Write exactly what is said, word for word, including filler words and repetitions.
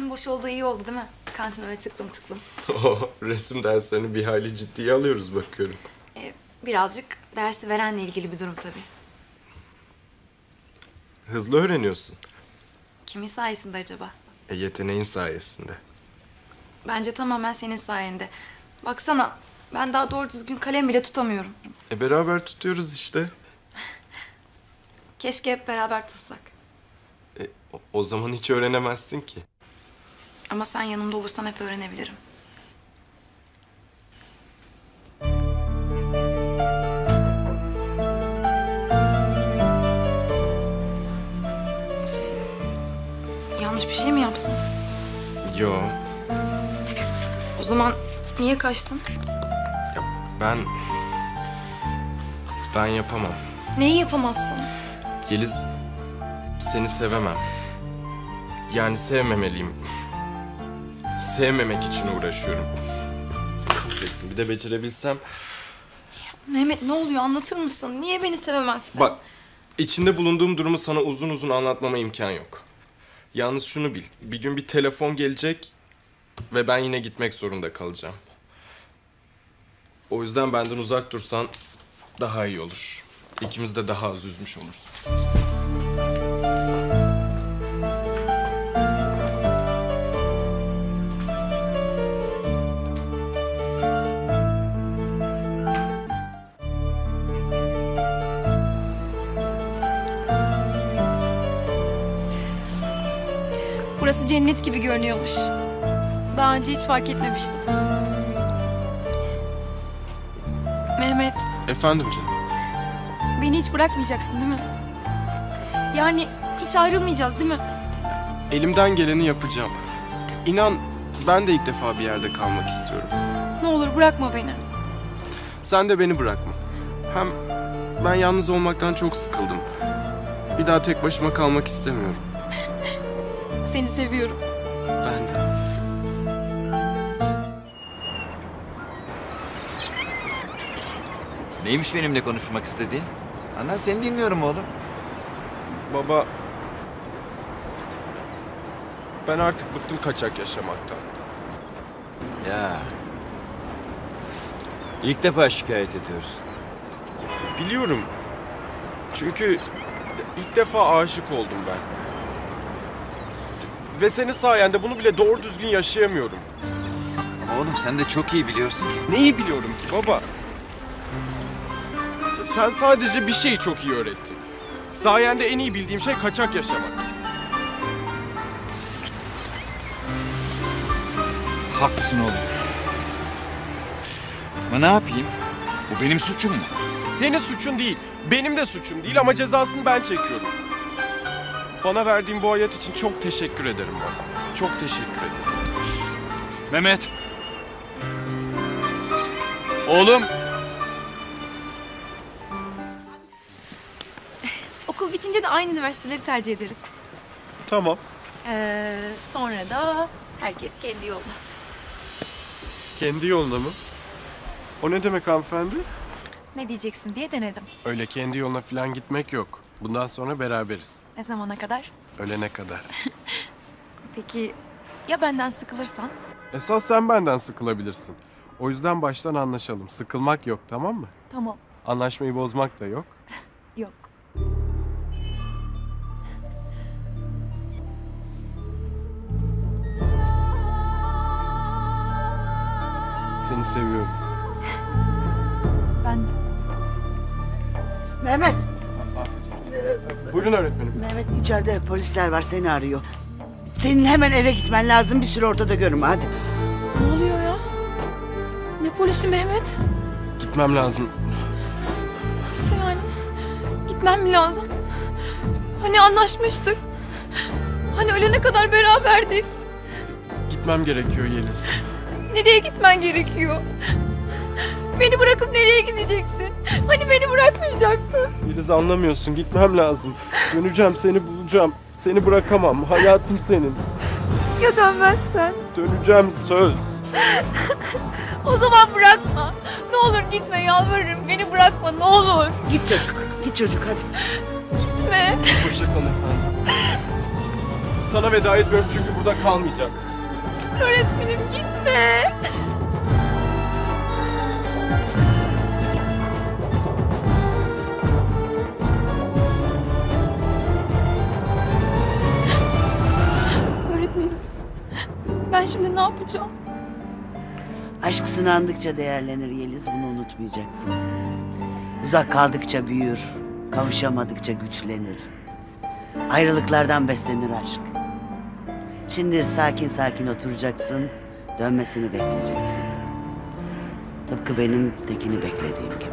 Kantin boş olduğu iyi oldu değil mi? Kantin öyle tıklım tıklım. Resim derslerini bir hayli ciddiye alıyoruz bakıyorum. Ee, birazcık dersi verenle ilgili bir durum tabii. Hızlı öğreniyorsun. Kimin sayesinde acaba? E, yeteneğin sayesinde. Bence tamamen senin sayende. Baksana ben daha doğru düzgün kalem bile tutamıyorum. E beraber tutuyoruz işte. Keşke hep beraber tutsak. E, o, o zaman hiç öğrenemezsin ki. Ama sen yanımda olursan hep öğrenebilirim. Şey, yanlış bir şey mi yaptım? Yo, O zaman niye kaçtın? ya ben... Ben yapamam. Neyi yapamazsın? Yeliz, seni sevemem. Yani sevmemeliyim. Sevmemek için uğraşıyorum. Kahretsin, bir de becerebilsem. Mehmet ne oluyor anlatır mısın? Niye beni sevemezsin? Bak, içinde bulunduğum durumu sana uzun uzun anlatmama imkan yok. Yalnız şunu bil, bir gün bir telefon gelecek ve ben yine gitmek zorunda kalacağım. O yüzden benden uzak dursan daha iyi olur. İkimiz de daha az üzmüş oluruz. Burası cennet gibi görünüyormuş. Daha önce hiç fark etmemiştim. Mehmet, Efendim canım. beni hiç bırakmayacaksın değil mi? Yani hiç ayrılmayacağız değil mi? Elimden geleni yapacağım. İnan, ben de ilk defa bir yerde kalmak istiyorum. Ne olur bırakma beni. Sen de beni bırakma. Hem ben yalnız olmaktan çok sıkıldım. Bir daha tek başıma kalmak istemiyorum. Seni seviyorum. Ben de. Neymiş benimle konuşmak istediğin? Ana seni dinliyorum oğlum. Baba... Ben artık bıktım kaçak yaşamaktan. Ya. İlk defa şikayet ediyoruz. Biliyorum. Çünkü ilk defa aşık oldum ben. Ve senin sayende bunu bile doğru düzgün yaşayamıyorum. Ama oğlum sen de çok iyi biliyorsun. Neyi biliyorum ki baba? Sen sadece bir şeyi çok iyi öğrettin. Sayende en iyi bildiğim şey kaçak yaşamak. Haklısın oğlum. Ama ne yapayım? Bu benim suçum mu? Senin suçun değil, benim de suçum değil ama cezasını ben çekiyorum. Bana verdiğin bu hayat için çok teşekkür ederim baba. Çok teşekkür ederim. Mehmet. Oğlum. Okul bitince de aynı üniversiteleri tercih ederiz. Tamam. Ee, sonra da herkes kendi yoluna. Kendi yoluna mı? O ne demek hanımefendi? Ne diyeceksin diye denedim. Öyle kendi yoluna falan gitmek yok. Bundan sonra beraberiz. Ne zamana kadar? Ölene kadar. Peki ya benden sıkılırsan? Esas sen benden sıkılabilirsin. O yüzden baştan anlaşalım. Sıkılmak yok, tamam mı? Tamam. Anlaşmayı bozmak da yok. Yok. Seni seviyorum. Ben de. Mehmet, Buyurun öğretmenim. Mehmet içeride polisler var seni arıyor. Senin hemen eve gitmen lazım bir süre ortada görünme hadi. Ne oluyor ya? Ne polisi Mehmet? Gitmem lazım. Nasıl yani? Gitmem mi lazım? Hani anlaşmıştık? Hani ölene kadar beraberdik? Gitmem gerekiyor Yeliz. Nereye gitmen gerekiyor? Beni bırakıp nereye gideceksin? Hani beni bırakmayacaktın? Yeliz anlamıyorsun. Gitmem lazım. Döneceğim, seni bulacağım. Seni bırakamam. Hayatım senin. Ya dönmezsen? Döneceğim söz. O zaman bırakma. Ne olur gitme yalvarırım. Beni bırakma ne olur. Git çocuk, git çocuk hadi. Gitme. Hoşça kalın efendim. sana veda etmiyorum çünkü burada kalmayacak. Öğretmenim gitme. Öğretmenim, ben şimdi ne yapacağım? Aşk sınandıkça değerlenir Yeliz, bunu unutmayacaksın. Uzak kaldıkça büyür, kavuşamadıkça güçlenir. Ayrılıklardan beslenir aşk. Şimdi sakin sakin oturacaksın, dönmesini bekleyeceksin. Tıpkı benim Tekin'i beklediğim gibi.